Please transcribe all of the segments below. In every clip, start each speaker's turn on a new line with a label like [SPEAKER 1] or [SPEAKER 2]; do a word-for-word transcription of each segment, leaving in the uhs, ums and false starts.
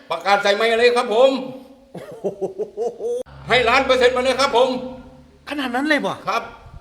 [SPEAKER 1] ประกาศใส่ไมค์เลยครับผมให้ล้านเปอร์เซ็นต์มาเลยครับผม
[SPEAKER 2] ขนาดนั้นเลยบ่
[SPEAKER 1] ครับ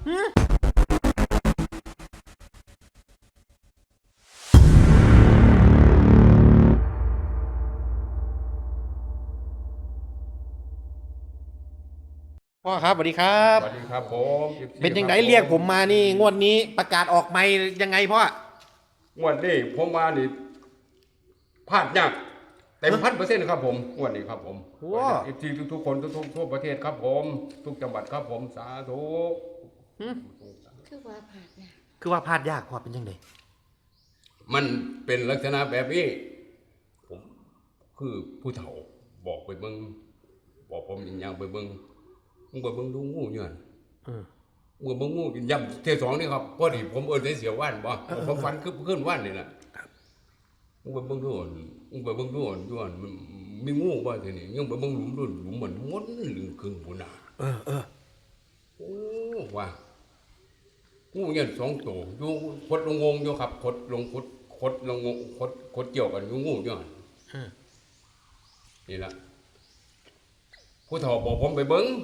[SPEAKER 2] พ่อครับสวัสดีครับ
[SPEAKER 1] สวัสดีครับผม
[SPEAKER 2] เป็นยังไงเรียกผมมานี่งวดนี้ประกาศออกไม่ยังไงพ่อง
[SPEAKER 1] วดนี้ผมมานี่พลาดยากเต็มพันเปอร์เซ็นต์ครับผมงวดนี้ครับผมอีกทีทุกๆคนทุกๆทั่วประเทศครับผมทุกจังหวัดครับผมสาธุ
[SPEAKER 3] คือว่าผ่านนะ
[SPEAKER 2] คือว่าพลาดยากพ่อเป็นยังไง
[SPEAKER 1] มันเป็นลักษณะแบบนี้ผมคือผู้เฒ่าบอกไปเบิ่งบอกผมอย่างไปเบิ่งมึงไปเบิ่งดูงูอยู่หั่นเออมึงเบิ่งงูย่ำเทสองนี่ครับพอดีผมเอิ้นได้เสียว่านบ่ผมฝันคือขึ้นว่านนี่แหละมึงไปเบิ่งดูมึงไปเบิ่งดูอยู่หั่นมันมีงูบ่ทีนี้ยังไปเบิ่งหลุมดูหลุมเหมือนมดลึงครึ่งพุ่นน่ะเออเออโอ้ว่างูเนี่ยสองตัวอยู่คดลงงงอยู่ครับคดลงคดคดลงงงคดคดเกี่ยวกันอยู่งูอยู่หั่นนี่ล่ะผู้เฒ่าบอกผมไปเบิ่ง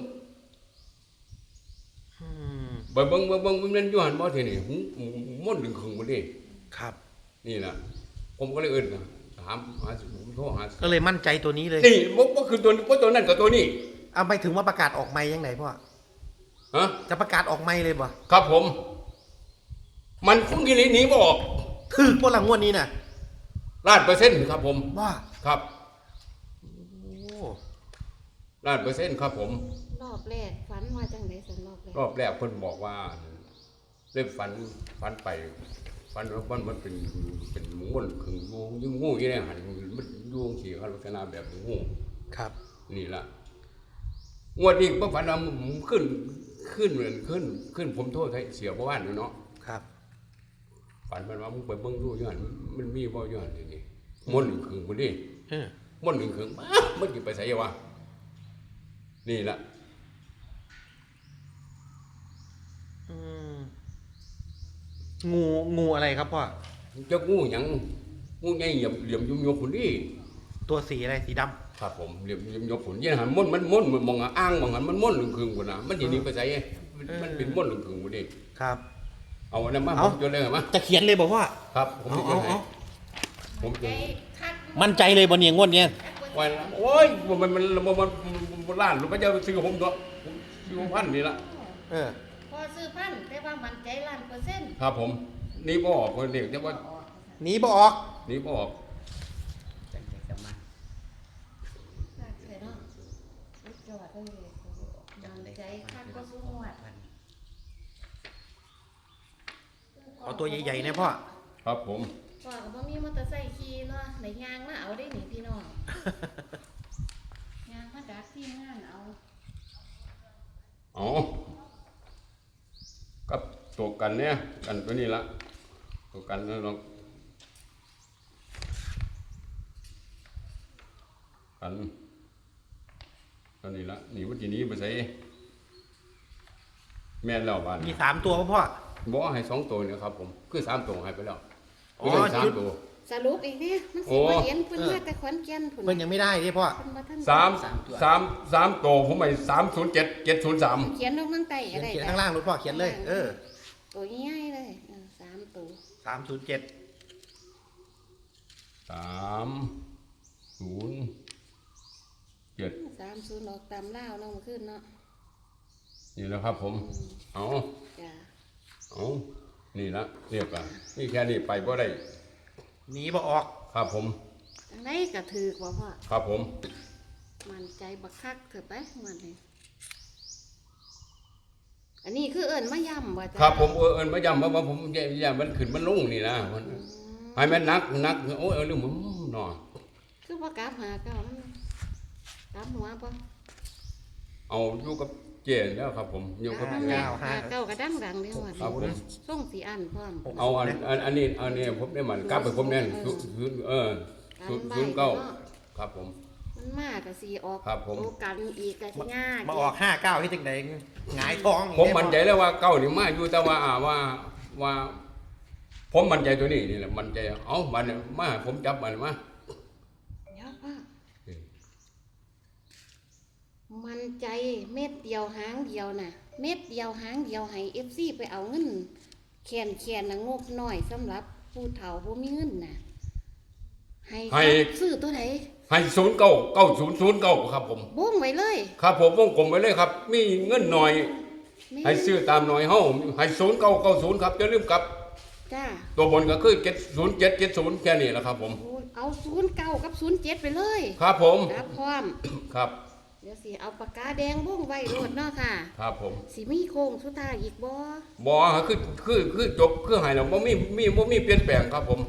[SPEAKER 1] ไปเบิ่งเบิ่งเบิ่งมันอยู่หั่นบ่ทีนี้มดลึงครึ่งบ่ดิ
[SPEAKER 2] ครับ
[SPEAKER 1] นี่ล่ะผมก็เลยเอิ้นถามหาผมโทรหา
[SPEAKER 2] ก็เลยมั่นใจตัวนี้เลย
[SPEAKER 1] นี่บ่บ่คือตัวบ่ตัวนั้นกับตัวนี้
[SPEAKER 2] เอาไปถึงว่าประกาศออกไมค์ยังไงพ่อ
[SPEAKER 1] ฮะ
[SPEAKER 2] จะประกาศออกไมค์เลยบ่
[SPEAKER 1] ครับผมมันคงกิริหนีบ่ออก
[SPEAKER 2] ถึกบ่ล่ะงวดนี้น่ะ
[SPEAKER 1] ล้านเปอร์เซ็นต์ครับผม
[SPEAKER 2] ว่า
[SPEAKER 1] ครับโอ้ล้านเปอร์เซ็นต์ครับผม
[SPEAKER 3] รอบแรกฝันว่าจังได๋สันรอบแรก
[SPEAKER 1] รอบแรกเพิ่นบอกว่าเริ่มฝันฝันไปฝันว่ามันมันเป็นเป็นหมูมันขึงงูยิงงูอยู่ในหันมันอยู่จังซี่ครับลักษณะแบบงู
[SPEAKER 2] ครับ
[SPEAKER 1] นี่ล่ะงวดนี้บ่ฝันว่ามันขึ้นขึ้นเหมือนขึ้นขึ้นผมโทษให้เสียบ่ว่านเนาะ
[SPEAKER 2] ครับ
[SPEAKER 1] ฝันมันว่ามึงไปเบิ่งดูอยู่หั่นมันมีบ่อยู่หั่นนี่มนต์ขึงบ่ดิเออมนต์ขึงมามันสิไปไสวะนี่ล่ะ
[SPEAKER 2] อืมงูงูอะไรครับพ่อ
[SPEAKER 1] จะงูหยังงูใหญ่เหลี่ยมเหลี่ยมยุบๆพุ่นดิ
[SPEAKER 2] ตัวสีอะไรสีดำ
[SPEAKER 1] ครับผมเหลี่ยมยุบๆพุ่นยี่หั่นมนต์มันมนต์มองอ้างมองหันมันมนต์ขึงพุ่นน่ะมันสิหนีไปไสมันเป็นมนต์ขึงบ่ดิ
[SPEAKER 2] ครับ
[SPEAKER 1] เอาอันนั้นมาผมจดเลยมั้ย
[SPEAKER 2] จะเขียนเลยบอกว่า
[SPEAKER 1] ครับผมจะจดให้ผมจะ
[SPEAKER 2] มั่นใจเลยบ่เนี่ยงวดเนี้ย
[SPEAKER 1] โอ้ยโอ้ยมันมันมันมันล้านหรือว่าจะซื้อผมตัวผมซื้อพันนี่ละ
[SPEAKER 3] เออพอซื้อพันแต่ว่ามั่นใจล้านเปอร์เซ็นต์
[SPEAKER 1] ครับผมนี่บ่ออกคนเด็กจะว่า
[SPEAKER 2] หนีบ่ออก
[SPEAKER 1] หนีบ่ออก
[SPEAKER 3] จังได๋ก็มาน่าเชื่อเนาะจอดได้เลยมั่นใจคักก็สู้งวด
[SPEAKER 2] เอาตัวใหญ่ๆนะพ่อ
[SPEAKER 1] ครับผม
[SPEAKER 3] พ่อก็บ่มีมอเตอร์ไซค์ขี่เนาะไหนยางมาเอาได้หนิพี่น้องยางมาดักที่งานเอา
[SPEAKER 1] อ๋อกับตัวกันเนี่ยกันตัวนี้ละตัวกันแล้วเรากันตัวนี้ละนี่วันที่นี้ไปใส่แม่นแล้วบ้าน
[SPEAKER 2] มีสามตัวพ่อ
[SPEAKER 1] บอกให้สองตัวเนี่ยครับผมคือสามตัวให้ไปแล้วอ๋อสามตัว
[SPEAKER 3] สรุปอีกเนี่ยมันสิบ่เห็นเพิ่นมาแต่ขอนแก่นพุ่น
[SPEAKER 2] เพิ่นยังไม่ได้ดิพ่อ
[SPEAKER 1] สามสามสามตัวผมให้สามศูนย์เจ็ดเจ็ดศูนย์สาม
[SPEAKER 3] เขียนลงข้างใต้อะไร
[SPEAKER 2] เขียนข้างล่างรถพ่อเขียนเลยเออ
[SPEAKER 3] ตัวง่ายเลยสามตัว
[SPEAKER 2] สามศูนย์เจ็ด
[SPEAKER 1] สามศูนย์เจ็ด
[SPEAKER 3] สามศูนย์ออกตามล่าวเนาะเมื่อคืนเนาะ
[SPEAKER 1] นี่แล้วครับผมเอา
[SPEAKER 3] จ้ะ
[SPEAKER 1] เอานี่ละเรียบร้อยนี่แค่นี้ไปบ่ได้
[SPEAKER 2] หนีบ่ออก
[SPEAKER 1] ครับผม
[SPEAKER 3] จังได๋ก็ถูกบ่พ่อ
[SPEAKER 1] ครับผม
[SPEAKER 3] มั่นใจบักคักเถอะไปมันนี่อันนี้คือเอิ้นมาย่ำบ่จ้ะ
[SPEAKER 1] ครับผมเอิ้นมาย่ำว่าผมย่ำมันขึ้นมันลงนี่นะมันให้มันนักนักโอ้ยเรื่องมันหน่อ
[SPEAKER 3] คือว่ากราฟหาเก้ามันกราฟหัวบ่
[SPEAKER 1] เอาอยู่กับเจนแล้วครับผมอยู่กับ
[SPEAKER 3] เก้าหาเก้ากระดังดังเด้อว่าครับผมส่งสีอันพร้อม
[SPEAKER 1] เอาอันอันนี้อันนี้ผมได้มันกราฟไปผมแน่นศูนย์เออศูนย์ศูนย์เก้าครับผม
[SPEAKER 3] มันมากก็สิออก
[SPEAKER 1] ครับผม
[SPEAKER 3] โอกาสอีกก็สิยาก
[SPEAKER 2] มาออกห้าเก้าที่จังได๋หงายท้อง
[SPEAKER 1] ผมมั่นใจแล้วว่าเก้านี่มาอยู่แต่ว่าว่าว่าผมมั่นใจตัวนี้นี่แหละมั่นใจเอ้ามันมาผมจับมันมา
[SPEAKER 3] เดี๋ยวพ่อใจเม็ดเดียวหางเดียวน่ะ เม็ดเดียวหางเดียวให้ เอฟ ซี ไปเอาเงินแคนแคนน่ะงบน้อยสำหรับผู้เฒ่าบ่มีเงินน่ะให้
[SPEAKER 1] ให้
[SPEAKER 3] ซื้อตัวไหน
[SPEAKER 1] ให้ศูนย์เก้าเก้าศูนย์ศูนย์เก้าครับผม
[SPEAKER 3] บ่งไว้เลย
[SPEAKER 1] ครับผมวงกลมไว้เลยครับ มีเงินหน่อย
[SPEAKER 3] แม่
[SPEAKER 1] ให้ซื้อตามหน่อยเฮาให้ศูนย์เก้าเก้าศูนย์ครับอย่าลืมกลับ
[SPEAKER 3] จ้า
[SPEAKER 1] ตัวบนก็คือเจ็ดศูนย์เจ็ดเจ็ดศูนย์แค่นี้แหละครับผม
[SPEAKER 3] โอ้ยเอาศูนย์เก้ากับศูนย์เจ็ดไปเลย
[SPEAKER 1] ครับผม
[SPEAKER 3] ครับพร้อม
[SPEAKER 1] ครับ
[SPEAKER 3] เดี๋ยวสิเอาปากกาแดงบ่งไว้โลดเนาะค่ะ
[SPEAKER 1] ครับผม
[SPEAKER 3] สิมีโค้งสุดท้ายอีกบ่
[SPEAKER 1] บ่ฮะคือคือคือจบคือให้แล้วบ่มีมีบ่มีเปลี่ยนแปลงครับผม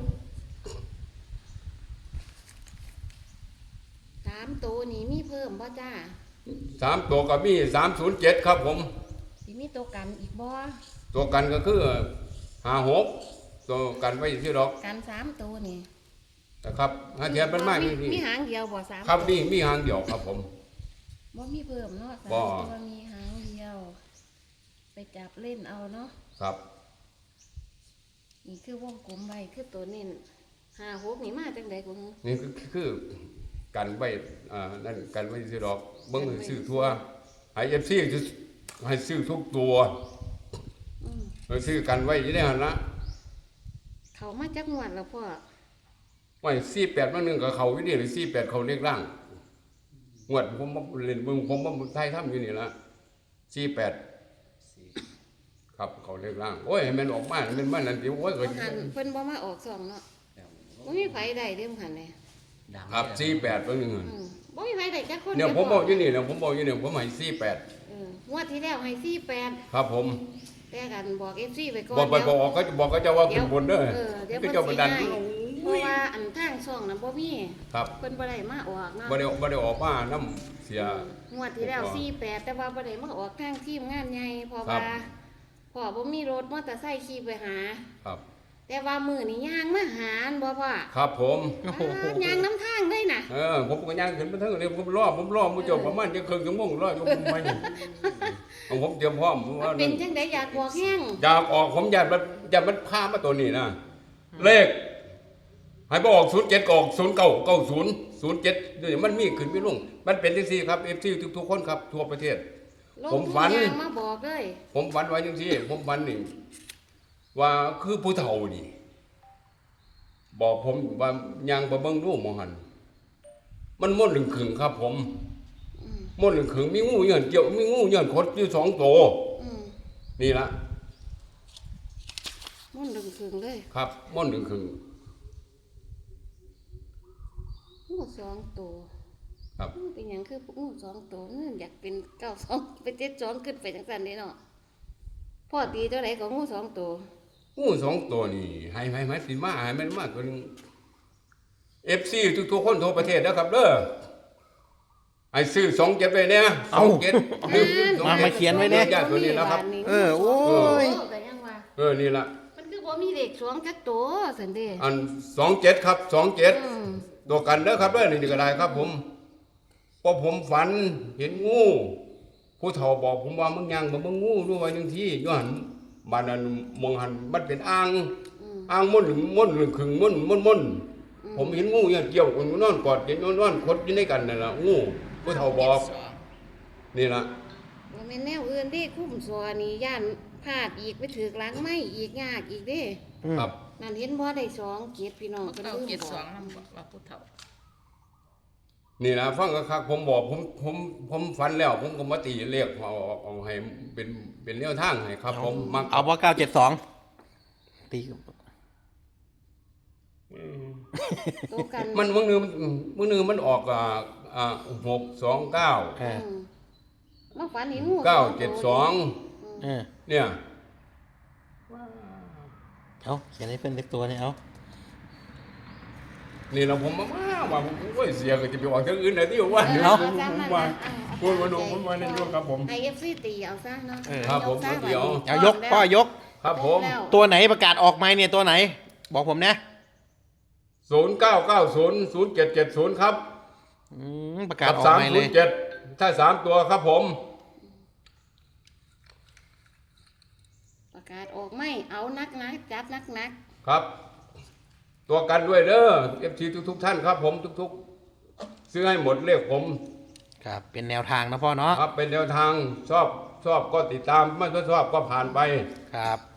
[SPEAKER 3] สามตัวนี้มีเพิ่มบ่จ้า
[SPEAKER 1] สามตัวก็มีสามศูนย์เจ็ดครับผม
[SPEAKER 3] สิมีตัวกันอีกบ่
[SPEAKER 1] ตัวกันก็คือห้าหกตัวกันไว้ที่ดอก
[SPEAKER 3] กันสามตัวนี่
[SPEAKER 1] นะครับถ้าเทียบมันมาก
[SPEAKER 3] มี
[SPEAKER 1] นี่
[SPEAKER 3] มีหางเดียวบ่สาม
[SPEAKER 1] ครับมีมีหางเดียวครับผม
[SPEAKER 3] บ่มีเพิ่มเนาะสาม
[SPEAKER 1] บ่
[SPEAKER 3] ตัวมีหางเดียว ไปจับเล่นเอาเนาะ
[SPEAKER 1] ครับ
[SPEAKER 3] นี่คือวงกลมไว้คือตัวเน้นห้าหกนี่มาจังได๋กู
[SPEAKER 1] นี่คือคือกันไว้อ่านั่นกันไว้ที่ดอกเบิ่งให้ซื้อทั่วให้ เอฟ ซี ให้ซื้อทุกตัว
[SPEAKER 3] อืม
[SPEAKER 1] ให้ซื้อกันไว้อยู่ในหั่นละ
[SPEAKER 3] เขามาจักงวดแล้วพ่อ
[SPEAKER 1] ไว้สี่แปดมันหนึงก็เข้าอยู่นี่หรือสี่แปดเข้าเลขล่างงวดผมมาเล่นเบิ่งผมมาไทยทำอยู่นี่ละสี่แปดครับเข้าเลขล่างโอ้ยให้มันออกมาให้มันมานั่นสิโอ้ยก็
[SPEAKER 3] บ่หันเพิ่นบ่มาออกสองเนาะบ่มีไผได้เด้มหันเลย
[SPEAKER 1] ครับสี่แปดเบิ่งหนึงหั่น
[SPEAKER 3] อืมบ่มีไผได้จักคน
[SPEAKER 1] เนี่ย
[SPEAKER 3] ดีว
[SPEAKER 1] ผมบอกอยู่นี่เนี่ยผมบอกอยู่เนี่ยผมให้สี่แปด
[SPEAKER 3] เอองวดที่แล้วให้สี่แปด
[SPEAKER 1] ครับผม
[SPEAKER 3] แต่กันบอก เอฟ ซี ไปก่อน
[SPEAKER 1] บอกไปบอกก็จะบอกก็จะว่าเป็นบนเด้อ
[SPEAKER 3] เออเดี๋ยว
[SPEAKER 1] ก็
[SPEAKER 3] เพิ่น
[SPEAKER 1] จะบันดัน
[SPEAKER 3] สิให้เพราะว่าอันทางช่องนั้นบ่มี
[SPEAKER 1] ครับ
[SPEAKER 3] เพิ่นบ่ได้มาออกเนาะ
[SPEAKER 1] บ่ได้บ่ได้ออกมาน้ำเสีย
[SPEAKER 3] งวดที่แล้วสี่แปดแต่ว่าบ่ได้มาออกทางทีมงานใหญ่เพราะ
[SPEAKER 1] ครั
[SPEAKER 3] ว่า
[SPEAKER 1] บ
[SPEAKER 3] พ่อบ่มีรถมอเตอร์ไซค์ขี่ไปหา
[SPEAKER 1] ครับ
[SPEAKER 3] แต่ว่ามื้อนี้ย่างมาหาอันบ่พ่อ
[SPEAKER 1] ครับผม
[SPEAKER 2] โอ้โห
[SPEAKER 3] อ่าย่างน้ำทางเลยน่ะ
[SPEAKER 1] เออผมก็ย่างขึ้นมาเทั้งเลยผมรอผมรอมุจบประมาณจะครึ่งชั่วโมงรออยู่ผมไม่เอาผมเตรียมพร้อมผมว่า
[SPEAKER 3] เป็นจังได๋อยากบอกแห้ง
[SPEAKER 1] อยากออกผมอยากมันอยากมันพามาตัวนี้นะเลขให้บ่ออกศูนย์เจ็ดก็ออกศูนย์เก้าเก้าศูนย์ศูนย์เจ็ดนี่มันมีขึ้นมีลงมันเป็นจังซี่ครับ เอฟ ซี ทุกๆคนครับทั่วประเทศ
[SPEAKER 3] ลง
[SPEAKER 1] ผม
[SPEAKER 3] ทุน
[SPEAKER 1] ฝัน
[SPEAKER 3] ย่างมาบอกเลย
[SPEAKER 1] ผมฝันไว้จังซี่ผมฝันนี่ว่าคือผู้เฒ่านี่บอกผมว่ายังไปเบิ่งดูหมองหันมันม่วนหลึงขึงครับ ผม
[SPEAKER 3] อืม
[SPEAKER 1] ม่วนหลึงขึงมีงูเหยื่อนเกี่ยวมีงูเหยื่อนคดอยู่สองตัว
[SPEAKER 3] อืม
[SPEAKER 1] นี่ละ
[SPEAKER 3] มุ่นดึงถึงเลย
[SPEAKER 1] ครับม่วนหลึงขึง
[SPEAKER 3] งูสองตัว
[SPEAKER 1] ครับ
[SPEAKER 3] งูเป็นหยังคืองูสองตัวเงินอยากเป็นเก้าสองเป็นเจ็ดสองขึ้นไปจังสันนี่เนาะพ่อตีตัวไหนของงูสองตัว
[SPEAKER 1] งูสองตัวนี่ให้ให้ให้สิมาให้มันมาตัวหนึง เอฟ ซี ทุกๆคนทั่วประเทศนะครับเด้อให้ซื้อสองเจ็ดไปเนี่ยสองเจ็ด
[SPEAKER 2] มามาเขียนไว้เนี่ย
[SPEAKER 1] ญาติตัวนี้นะครับ
[SPEAKER 2] เออโอ้ย
[SPEAKER 3] โแต่ยังว่า
[SPEAKER 1] เออนี่ละ
[SPEAKER 3] มันคือบ่มีเด็กสองจักตัวสันเด้
[SPEAKER 1] อันสองเจ็ดครับสองเจ็ด
[SPEAKER 3] อืม
[SPEAKER 1] ตัวกันเด้อครับเด้อนี่ก็ได้ครับ ผมเพราะผมฝันเห็นงู ผู้เฒ่าบอกผมว่ามึงยังบ่มึงงูด้วยไว้หนึ่งที่ย้อนบ้านนั้นมองหันมันเป็นอ่าง
[SPEAKER 3] อืม
[SPEAKER 1] อ่างม่วนหรือม่วนหรือขึงม่วนม่วนม่วนผมเห็นงูเนี่ยเกี่ยวกันนอนกอดกันนอนคดอยู่ในกันนั่นล่ะงูผู้เฒ่าบอกนี่ล่ะ
[SPEAKER 3] บ่แม่นแนวอื่นเด้คุ้มซัวนี่ย่านพลาดอีกไปถึกหลังไม้อีกยากอีกเด้
[SPEAKER 1] ครับ
[SPEAKER 3] นั่นเห็นบ่ได้สองเกียรติพี่น้อง
[SPEAKER 4] ผู้
[SPEAKER 3] เพิ่น
[SPEAKER 4] เฒ่า
[SPEAKER 3] ลืม
[SPEAKER 4] เจ็ด
[SPEAKER 3] บ
[SPEAKER 4] ส
[SPEAKER 3] อ
[SPEAKER 4] อก งนำบอกว่าผู้เฒ่า
[SPEAKER 1] นี่นะฟังคักๆผมบอกผมผมผมฝันแล้ว ผมก็มาตีเลขเอาเอาให้เป็นเป็นแนวทางให้ครับ ผมมัก
[SPEAKER 2] เอาว่าเก้าเจ็ดสองตี
[SPEAKER 3] ตัวกัน
[SPEAKER 1] มันมื้อนึงมื้อนึงมันออกอ่าอ่าหกสองเก้า
[SPEAKER 2] เออ
[SPEAKER 3] อืมมาฝันเห็นงู
[SPEAKER 1] เก้าเจ็ดสอง
[SPEAKER 2] เออ
[SPEAKER 1] เนี่ย
[SPEAKER 2] เอาเขียนให้เพื่อนเล็กตัวนี่เอา
[SPEAKER 1] นี่เราผมมาว่าว่าผมโอ้ยเสียก็จะไปออกทางอื่นได้ที่ว่า
[SPEAKER 3] เออ
[SPEAKER 1] เดี๋ยว
[SPEAKER 3] เอา
[SPEAKER 1] ผม
[SPEAKER 3] ซ้ำนั่น
[SPEAKER 1] ว่า
[SPEAKER 3] นะเอาเอา
[SPEAKER 1] พูดมาดูผมมาในช่วงครับผม
[SPEAKER 3] ให้ เอฟ ซี ตีเอาซะเนาะ
[SPEAKER 1] ครับผม
[SPEAKER 3] ซะ
[SPEAKER 1] เดี๋ยว
[SPEAKER 2] เอายกพ่อยก
[SPEAKER 1] ครับผม
[SPEAKER 3] แล้ว
[SPEAKER 2] ตัวไหนประกาศออกไหมเนี่ยตัวไหน บอกผมนะ
[SPEAKER 1] ศูนย์เก้าเก้าศูนย์ศูนย์เจ็ดเจ็ดศูนย์ครับ
[SPEAKER 2] อืมประกาศ
[SPEAKER 1] กับ
[SPEAKER 2] ออก
[SPEAKER 1] สาม
[SPEAKER 2] ไหม
[SPEAKER 1] ศู
[SPEAKER 2] เล
[SPEAKER 1] น
[SPEAKER 2] ย
[SPEAKER 1] ย์เจ็ดถ้าสามตัวครับผม
[SPEAKER 3] ประกาศออกไม่เอานักนักจับนักนัก
[SPEAKER 1] ครับ ตัวกันด้วยเด้อเอฟทีทุกๆท่านครับ ผมทุกๆซื้อให้หมดเลขผม
[SPEAKER 2] ครับเป็นแนวทางนะพ่อเนาะ
[SPEAKER 1] ครับเป็นแนวทางชอบชอบก็ติดตามไม่ชอบก็ผ่านไป
[SPEAKER 2] ครับ